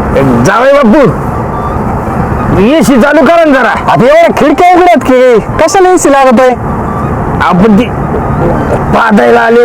जावई बापू एसी चालू करा ना जरा. आता एवढ्या खिडक्या उघड्यात की कशाला एसी लागत आहे? आपण ती पादायला आलो.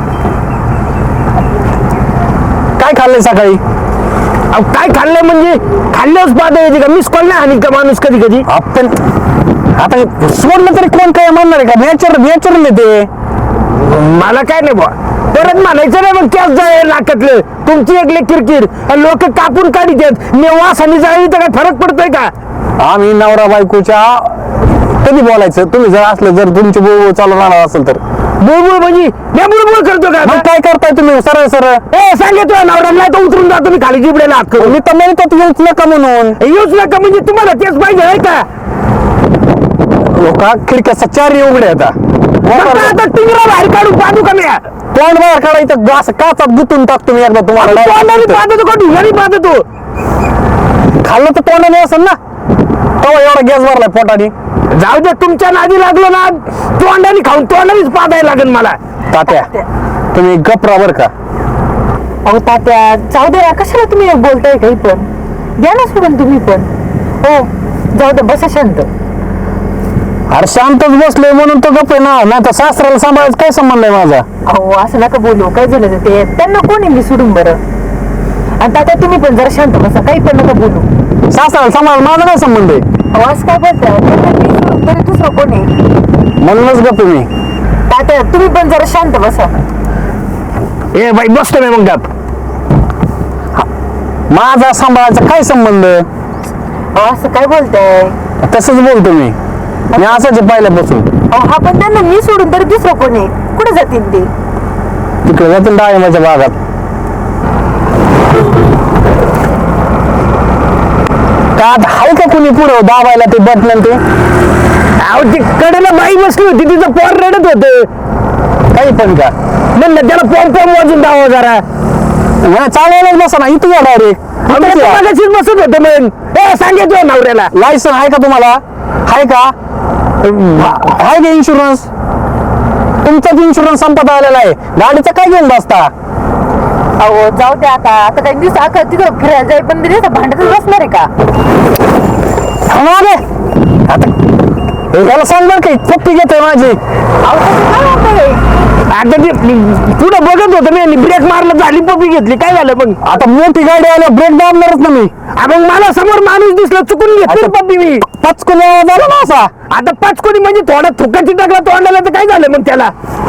काय खाल्लंय सकाळी? अहो काय खाल्लंय म्हणजे खाल्ल्याच पादा येते का? मिस कॉल नाही आणि का माणूस कधी कधी. आपण आता सोडलं तरी कोण काय म्हणणार आहे का? नॅचरल ते. मला काय नाही बा परत म्हणायचं नाही मग कॅस जाय नाकातलं तुमची एकले किरकिर लोक कापून काढीत वास आणि जाळी तर काय फरक पडतोय का? आम्ही नवरा बायकोच्या कधी बोलायचं? तुम्ही जर असलं जर तुमची बोल चालू राहणार असेल तर बुळबुळ म्हणजे मी बुळबुळ करतो का? मग काय करताय तुम्ही? सरळ सरळ ए सांगितलं नवरा नाही तर उतरून जातो मी खाली जिबड्याला हात करून. मी तर म्हणतो तू येऊच नका म्हणून. येऊच नका म्हणजे तुम्हाला तेच पाहिजे आहे का? लोक खिडक्या चारही उघड्या आता टिंगरा बाहेर काढून पाहू का मी? तोंड बाहेर काढायचं असं काचात गुतून टाकतो मी एकदा तुम्हाला. तोंडाने पाहतो का ढुंगाने पाहतो तू? खाल्लं तर तोंडाने असेल ना. तेव्हा एवढा गॅस भरलाय पोटाने. जाऊ दे तुमच्या नादी लागलो ना तोंडाने खाऊन तोंडानेच पाहायला लागेल मला. तात्या तुम्ही गपरा बर का? अहो तात्या जाऊ द्या कशाला तुम्ही बोलताय काही पण द्या ना सोडून तुम्ही पण. हो जाऊ दे बसा शांत. अरे शांतच बसलोय म्हणून तो गप आहे ना. नाही तर सासऱ्याला सांभाळायचं काय संबंध आहे माझा? अहो असं नका बोलू. काय झालं ते त्यांना कोण आहे मी सोडून बरं. आणि तात्या तुम्ही पण जरा शांत बसा काही पण नका बोलू. सासऱ्याला सांभाळ माझा काय संबंध आहे? अहो असं काय बोलताय त्यांना मी सोडून तरी दुसरं कोण आहे? म्हणूनच गप आहे मी. तात्या तुम्ही पण जरा शांत बसा. ए बाई बसतो मी मग गप. माझा सांभाळायचा काय संबंध? अहो असं काय बोलताय? तसंच बोलतो मी असंच आहे पहिल्यापासून. अहो हा पण त्यांना मी सोडून तरी दुसरं कोण आहे? कुठे जातील ते? तिकडे जातील डाळिंबाच्या बागात. का हाय का कुणी पुढं दाबायला ते बटन ते? अहो ती कडेला बाई बसली होती तिचं पोर रडत होतं. काही पण का म्हणलं त्याला पॉम वाजून दावा जरा. चालवायलाच बसा ना इथं मगाशीच बसत होतं मग. ए सांगितलं नवऱ्याला. लायसन आहे का तुम्हाला? आहे का? आहे का इन्शुरन्स? तुमचाच इन्शुरन्स संपत आलेला आहे. गाडीचा काय घेऊन बसता? अहो जाऊ द्या आता काही दिवस अख्खा तिथं फिरायला जाई पण दिवस भांडतच बसणार आहे का? आता याला सांग बरं काही पप्पी घेतोय माझी. अहो तसं काय होतंय? आता ते पुढे बघत होतं मी ब्रेक मारला झाली पपी घेतली काय झालं मग? आता मोठी गाडी आल्या ब्रेक दाबणारच ना मी. मग मला समोर माणूस दिसला चुकून घेतली पपी मी. पचकून आवाज आला ना असा. आता 5 कोटी म्हणजे थोडा थुकाची टाकला तोंडाला तर काय झालं मग त्याला?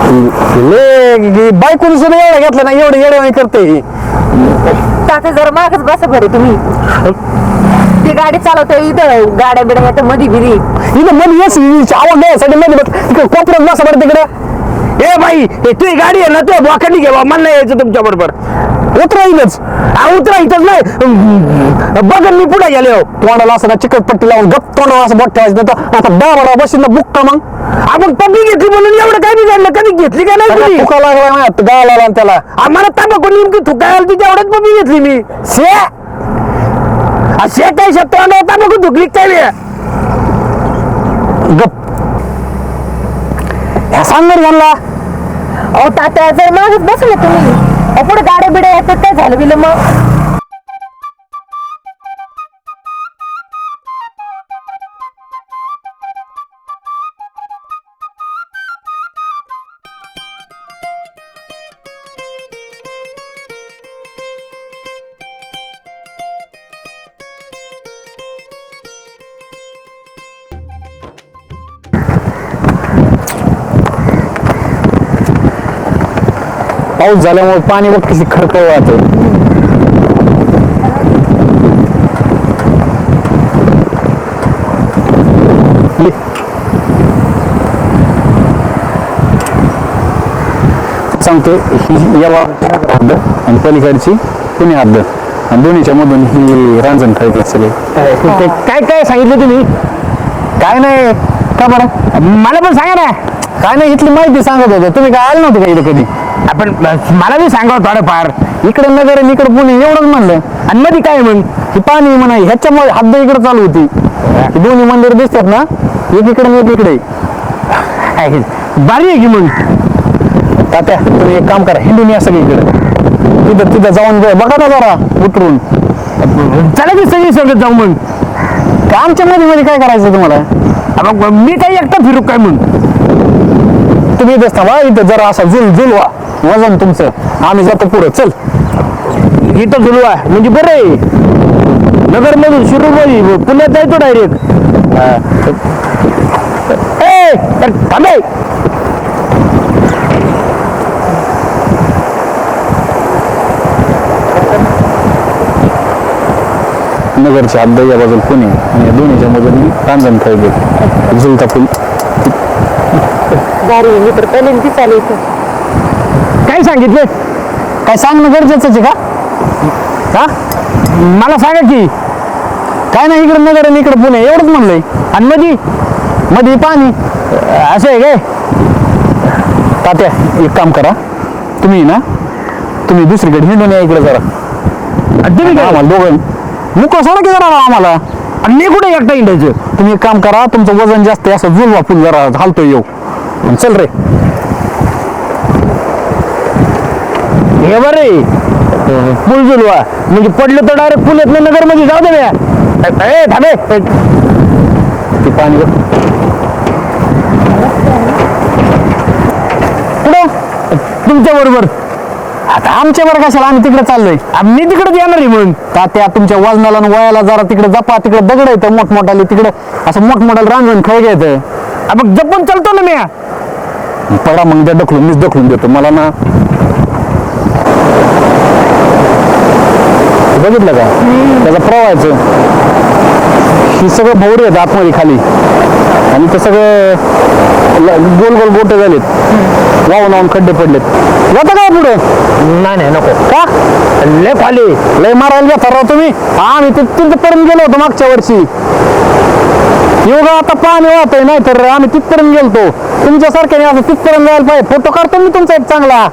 बायकोनी सुद्धा एवढं घेतलं ना एवढं येडे करते ही. तात्या जरा मागच बसा बरं तुम्ही. ती गाडी चालवतोय इथं गाड्या बिड्या येतं मधी बिधी. इथं मध्ये येस आवाज द्यायसाठी मध्ये तिकडे कोपऱ्यात बसा बरं तिकडे. ए बाई हे तुझी गाडी आहे ना तुझ्या बोकांनी घ्यावा मला नाही यायचं तुमच्या बरोबर. उतरा इथंच. उतरा इथंच नाही बघ मी पुढे गेले. तोंडाला असं चिकटपट्टी लावून गप तोंडाला असं बोट ठेवायचं. आता दाबा बशीन ना बुक्का मग. आपण पपी घेतली म्हणून एवढं काय बिघडलं? कधी घेतली काय नाही तुझी? फुका लागला ना गाळा आला त्याला. आम्हाला तांबाखू नेमकी थुकायला तिच्या एवढ्याच पपी घेतली मी. शे काय तोंडावर तांबाखू थुकली काय नाही? गप ह्या सांगणार घालला. अहो तात्या जर मागच बसले तुम्ही पुढे गाड्या बिड्या येतात काय झालं बिलं मग? पाऊस झाल्यामुळे पाणी बघ कशी खडखड वाहते. सांगतो ही या हद्द आणि पलीकडची पुणे हद्द आणि दोन्हीच्या मधून ही रांजण खळत सगळे. काय काय सांगितलं तुम्ही? काय नाही का बरं मला पण सांगा ना. काय नाही इथली माहिती सांगत होतो. तुम्ही काय आले नव्हते का इथं कधी? आपण मला बी सांगा थोडंफार. इकडे नगर आणि इकडे पुणे एवढंच म्हणलं. आणि मध्ये काय मग? ही पाणी म्हणा ह्याच्यामुळे हद्द इकडे चालू होती. ही दोन्ही मंदिर दिसतात ना एक इकडे आणि एक इकडे. भारी आहे की मग. तात्या तुम्ही एक काम करा हिंदून या सगळीकडे. तिथं जाऊन बघा ना जरा उतरून चला की सगळी सोबत जाऊ मग. का आमच्या मध्ये मध्ये काय करायचं तुम्हाला? मग मी काही एकटा फिरू काय मग? तुम्ही इथंच थांबा, इथं जरा असा जुलवा वजन तुमचं, आम्ही जातो पुढे. चल इथं झुलवा म्हणजे बरं आहे. नगर मधून शिरूर मध्ये पुण्यात जायचो डायरेक्ट. थांबे. नगरच्या हद्द या बाजूला पुणे आणि या दोन्हीच्या मधून रांजण खायचे झुलता फुल. गाडी मी तर पहिल्यांदा चालू इथं. काय सांगितलं? काय सांगणं गरजेचंच आहे का? हा मला सांगा की. काय नाही, इकडे नगर आणि इकडे पुणे एवढंच म्हणलंय. आणि मध्ये पाणी असं आहे काय? तात्या एक काम करा, तुम्ही दुसरीकडे हिंडून या इकडे जरा. आणि तुम्ही काय? आम्हाला दोघं मुकं सोडा की जरा आम्हाला. आणि मी कुठे एकटा इंडायचं? तुम्ही एक काम करा, तुमचं वजन जास्त आहे, असं जुलवा फुल जरा हालतोय येऊ. चल रे. हे बरे पूल झुलवा म्हणजे पडलं तर डायरेक्ट पुण्यात नगर मध्ये जाऊ दे. थांबे. ते पाणी बघ. पुढं तुमच्या बरोबर. आता आमच्या बरं कशाला, आम्ही तिकडे चाललोय. मी तिकडे येणार आहे म्हणून. तात्या तुमच्या वजनाला आणि वयाला जरा तिकडे जपा. तिकडे दगड येतं मोठमोठाले, तिकडे असं मोठमोठाले रांजण खेळ घ्यायचं. मग जपून चालतो ना मी. पडा मग त्या ढकलून, मीच ढकलून देतो मला ना. बघितलं का त्याचं प्रवाहाचं? ही सगळं भोवरे आहेत आतमध्ये खाली, आणि ते सगळं गोल गोल गोटे झालेत, वाहून वाहून खड्डे पडलेत. जाता काय पुढं? नाही नको. का लय खाली लय मारायला घेता राव तुम्ही. आम्ही तिथपर्यंत गेलो होतो मागच्या वर्षी. एवढं आता पाणी वाहतोय, नाही तर आम्ही तिथपर्यंत गेलतो. तुमच्यासारख्याने असं तिथपर्यंत जायला पाहिजे. फोटो काढतो मी तुमचा एक चांगला.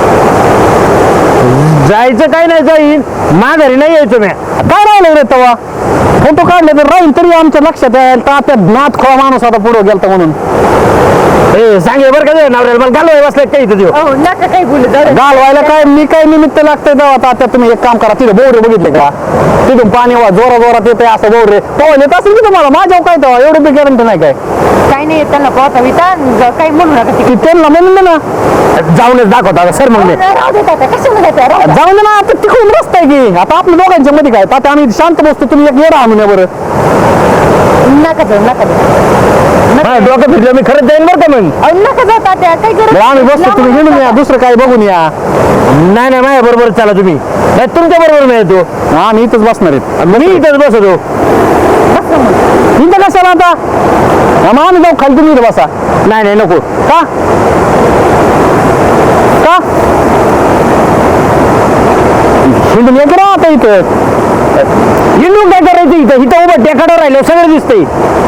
जायचं काय नाही, जाईन माघारी नाही यायचं मी. काय राहिलं रे तेव्हा? फोटो काढले तर राहील तरी आमच्या लक्षात यायला. तात्या नाथ खोळा माणूस आता पुढे गेलता म्हणून. सांगे बरं का नवऱ्याला मला घालवाय बसलाय काही इथं देऊ. अहो नका काही बोलू दादा. घालवायला काय मी काय निमित्त लागतंय तेव्हा? तात्या तुम्ही एक काम करा, तिथे बोरे बघितले का? तिथून पाणी जोरा जोरात येते असं बोरे पवन येत असेल की तुम्हाला. माझ्या काय तेव्हा एवढं बी गॅरंटी नाही काय. काही नाही त्यांना पाहता विता काही म्हणू नका की तिकडे. त्यांना म्हणलं ना जाऊनच दाखवता सर मग मी. राहू देत आता कशाला जाता राहू द्या. जाऊन दे ना, आता तिकडून रस्ता आहे की. आता आपल्या दोघांच्या मध्ये काय तात्या, आम्ही शांत बसतो, तुम्ही एक येडा आणून या बरं. नका जाऊ नका जाऊ. माझ्या डोकं फिरलं मी खरंच जाईन बरं का मग. अहो नका जाऊ तात्या काही गरज बरं, आम्ही बसतो, तुम्ही हिंडून या, दुसरं काय बघून या. नाही माझ्या बरोबर चला तुम्ही. नाही तुमच्या बरोबर मी येतो. आम्ही इथंच बसणार आहेत. मी इथंच बसतो. इथं कशाला आता? मग आम्ही जाऊ खाली, तुम्ही इथं बसा. नाही नको. का का हिंडून येतो ना आता इथं. हिंडून काय करायचं इथं? इथं उभं टेकाडं राहिलं सगळं दिसतंय.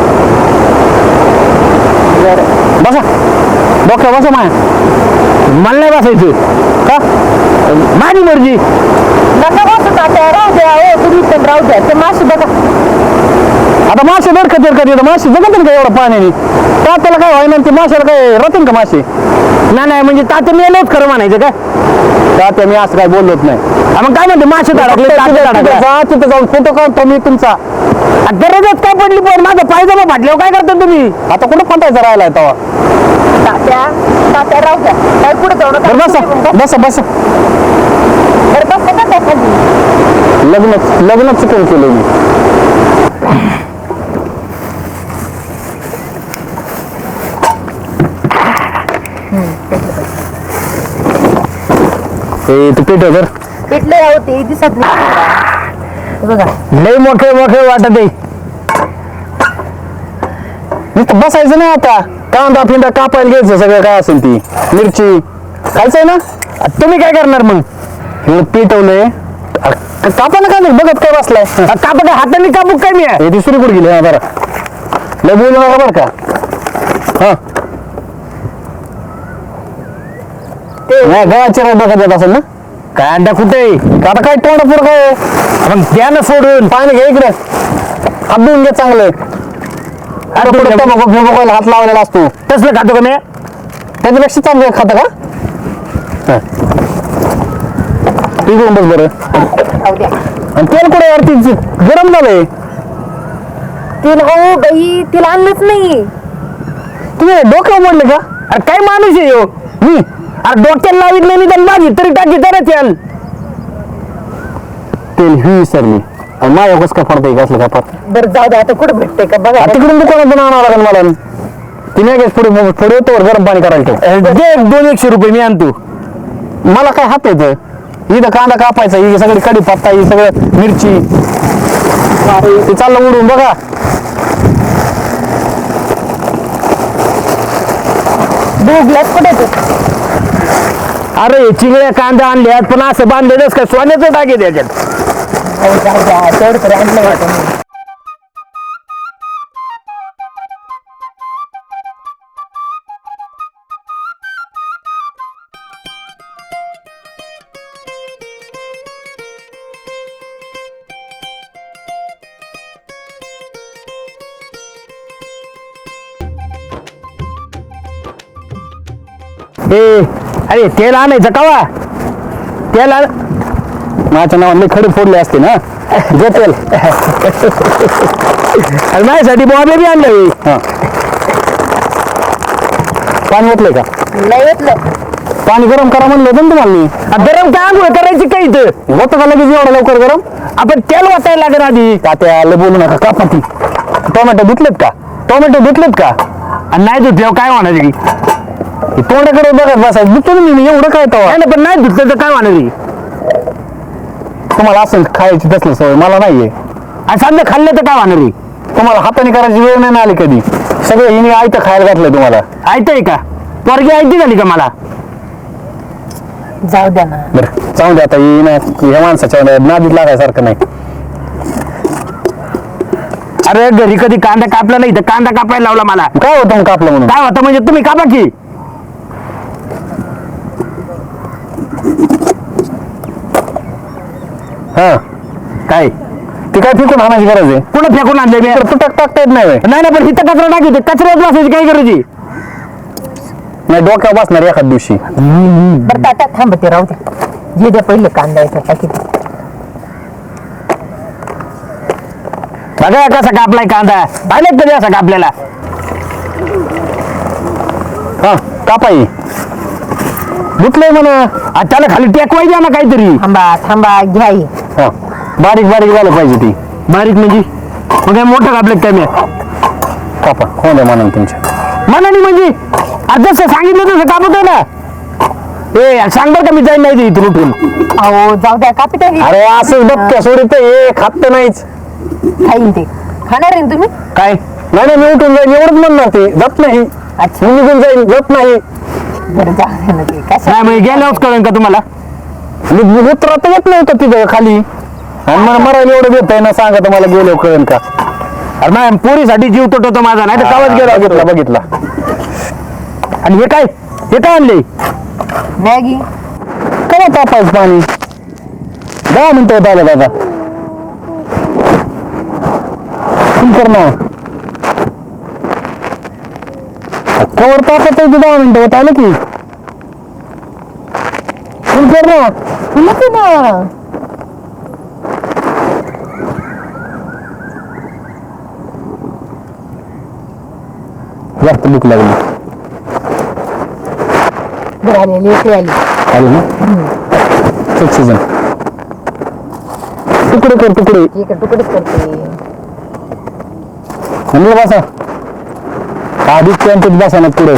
बसा डॉक्टर, बसा माया. मला नाही बसायचं. का माझी मर्जी. नका बसू तात्या राहू द्या. हो तुम्ही पण राहू द्या. ते माशी बघा आता मासे दरकत येतं, मासे जगत का एवढं पाण्याने? त्याला काय व्हायना, ते माशाला काय राहतील का मासे? नाही म्हणजे तात्या मेलोच खरं म्हणायचं काय? तात्या मी असं काय बोललोच नाही. मग काय म्हणते मासे धडकले तिथं जाऊन फोटो काढतो मी तुमचा. गरजच काय पडली पण माझं पायजमा फाटल्यावर काय करता तुम्ही? आता कुठं फटायचा राहिलाय तेव्हा? तात्या तात्या राहू द्या. काय पुढे जाऊ नका. बरं बसा बसा बसा. बरं बस नका त्या खाली. लग्न चुकून केलं मी. तू पेटव तर. पेटले राहू ते दिसत नाही बघा. लय मोठे वाटत आहे. नुसतं बसायचं नाही आता. कांदा फिंदा कापायला घ्यायचं, सगळं काय असेल ती मिरची खायचंय ना. तुम्ही काय करणार मग? हे पेटवलंय, कापायला काय नाही, बघत काय बसलाय. कापा काय हाताने कापू काय मी? हे ती सुरू कुठे गेली? हा बरं, लय बोलू नका बरं का. हा गळाच्या बघत येत असेल ना. काय अंडा कुठे? आता काय तोंडापूर काय मग द्या ना सोडून. पाणी घे इकडे, हात धुवून घे चांगलं. तंबाखू हात लावलेला असतो, तसलं खातो का मी? त्याच्यापेक्षा चांगलं खातं का? ठीक आहे बस बरं. राहू द्या. आणि तेल कुठे यार ती गरम झालंय. तिला हो बाई तिला आणलंच नाही. तुम्ही डोक्यावर मोडले का? अरे काय माणूस आहे ह्यो? मी अरे डोक्याला लावित नाही तर माझी तरी टाकी तर तेल. तेल ही विसरली आणि माझ्या कसं काय पडतंय कसलं काय पडत बरं जाऊ दे आता कुठं भेटते का बघा. तिकडून दुकानातून आणावं लागेल मला. तिने काय पुढे पुढे येतो गरम पाणी करायला ठेव. दे 200 रुपये मी आणतो. मला काय हात येतं. इथं कांदा कापायचा, ही सगळी कढीपत्ता, ही सगळं मिरची, ते चाललं उडून बघा. भोगल्यात कुठे तू? अरे चिंगळ्या कांदा आणल्यात पण असं बांधलेलंच काय सोन्याचं टाके त्याच्यात. हो, जाऊ द्या तेवढं तरी आणलं होतं मी. अरे तेल आणायचं कवा? तेल माझ्या नावाने खडे फोडले असते ना. जे तेल अरे माझ्यासाठी बॉबे बी आणलं. हा पाणी ओतलंय का? नाही येतलं. पाणी गरम करा म्हणलं होतं ना तुम्हाला मी. गरम काय आंघोळ करायची काय इथं? होतं का लगेच एवढं लवकर गरम? आपण तेल वाचायला लागेल आधी. तात्याला बोलू नका का पाती. टोमॅटो धुतलेत का? टोमॅटो धुतलेत का? आणि नाही धुतल्यावर काय होणार आहे? तोंडाकडे बघत बसायचं. धुतो ना मी एवढं काय तवा. नाही पण नाही धुतलं तर काय होणार आहे? तुम्हाला असं खायची तसलं सवय मला नाहीये. आणि समजा खाल्लं तर काय होणार आहे? तुम्हाला हाताने करायची वेळ नाही आली कधी. सगळं हिने आयतं खायला घातलंय तुम्हाला. ऐकतंय का? पोरगी ऐकती झाली का मला? जाऊ द्या ना. बरं जाऊ दे आता. ह्या माणसाच्या नादीत लागायसारखं नाही. अरे घरी कधी कांदा कापला नाही तर कांदा कापायला लावला मला. काय होतं मग कापलं म्हणून? काय होतं म्हणजे तुम्ही कापा की. हा काय ते काय फेकून आणायची गरज आहे? कुठं फेकून आणले मी? तुटक टाकता येत नाही. नाही ना पण इथं कचरा टाकी कचऱ्यात बसायची काय करायची? नाही डोक्यावर बसणार एखाद दिवशी. बरं तात्या थांबते राहू द्या. जे द्या पहिले कांदा येतो टाकीत. बघा कसा कापलाय कांदा. पाहिलं कधी असा कापलेला? हा कापाई धुतलंय म्हणा. त्याला खाली टेकवाय द्या ना काहीतरी. थांबा थांबा घ्या ही. हा बारीक बारीक झालं पाहिजे ती. बारीक म्हणजे मग काय मोठं कापलं काय मी? कापा हो द्या म्हणून तुमच्या मनाने म्हणजे जसं सांगितलं तसं कापतोय ना. ए सांग बरं का मी जाईन नाही इथून उठून. अहो जाऊ द्या कापी टाकी. अरे असं डबक्या सोडीत हे खात तर नाहीच. खाईन ते. खाणार आहे ना तुम्ही? काय नाही नाही मी उठून जाईन एवढंच म्हणणार. ते जात नाही. अच्छा मी निघून जाईन जात नाही. बरं जाऊ द्या ना ते. कसं नाही म्हणजे गेल्यावरच कळेल का तुम्हाला? मी उतरत येत नव्हतं तिथं खाली आणि मला मरायला एवढं देत आहे ना. सांगा तुम्हाला गेलो कळेल का? अरे नाही पोरीसाठी जीव तुटवतो माझा. नाही तर कावच गेला बघितला बघितला. आणि हे काय आणले? मॅगी. काय तापायचं पाणी 10 मिनिटं होत आलं दादा. कर ना कवर तापत 10 मिनिटं होत आलं की. कर ना नको ना. जास्त भूक लागली. बरं आली इकडे आली. आली ना सीजन. तुकडे कर तुकडे. इकडे तुकडेच करते. म्हणलं बसा आधीच त्यांच्यात बसा ना पुढे.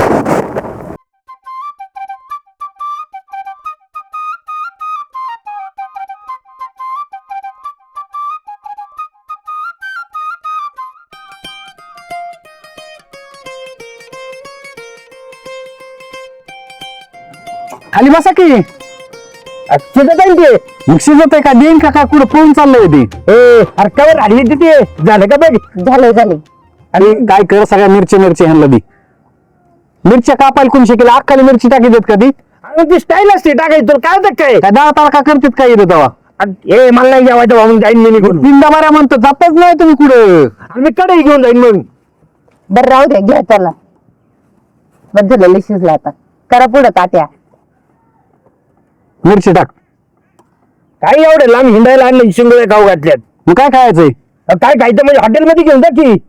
खाली बसा की. शिजत आहे ते. मग शिजत आहे का? देईन का काय कुठं पळून चाललंय ते? अरे कवर राहिली तिथे झालं का बघ. झालंय झालंय. आणि काय कर सगळ्या मिरची ह्यांना दी. मिरच्या कापायला कोण शिकेल? अख्खाली मिरची टाकी देत का ती? अरे ती स्टाईल असते टाकायची. तुला काय होतं काय? काय डाळ ताळका करतात काय येतं तेव्हा? ए मला नाही जेवायचं म्हणून जाईन मी निघून. तीनदा बऱ्या म्हणतो जातच नाही तुम्ही कुठं. आणि मी कडे घेऊन जाईन मग. बरं राहू द्या घ्या चला. बस झालं शिजला आता. करा पुढं तात्या. मिरची टाक. काय एवढे लांब हिंडायला आणलं शिंगोळे खाऊ घातल्यात. मग काय खायचंय? काय खायचं म्हणजे हॉटेलमध्ये घेऊन जा की.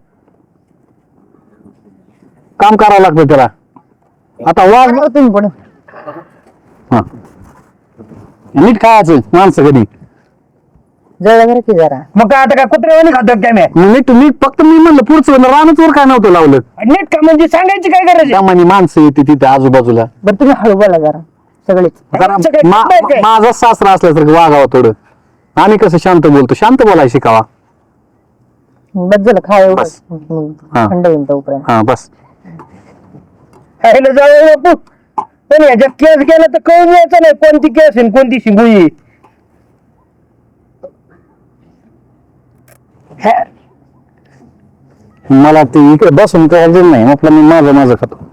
काम करावं लागतं त्याला. आता वाघ बरं तुम्ही पण हा नीट खायचं माणसं कधी. जरा जरा की जरा मग काय आता काय कुत्र्यावानी खातात काय मी? नीट नीट फक्त मी म्हणलं पुढचं रानच वर काय नव्हतं लावलं. नीट का म्हणजे सांगायची काय गरज आहे? त्यामाने माणसं येते तिथे आजूबाजूला. बरं तुम्ही हळू बोला जरा सगळेच. जरा आमचं काय काम आहे काय? माझा सासरा असल्यासारखं वागावं थोडं. आम्ही कसं शांत बोलतो, शांत बोलायला शिकावा. बस झालं खा एवढं बस. हा. थंड होईल तोपर्यंत. हा बस. खायला जाऊ बापू. पण ह्याच्यात केस गेला तर कळून यायचं नाही कोणती केस आहे आणि कोणती शिंगुई. मला ते इकडे बसून करायचं नाही, म्हटलं मी माझं खातो.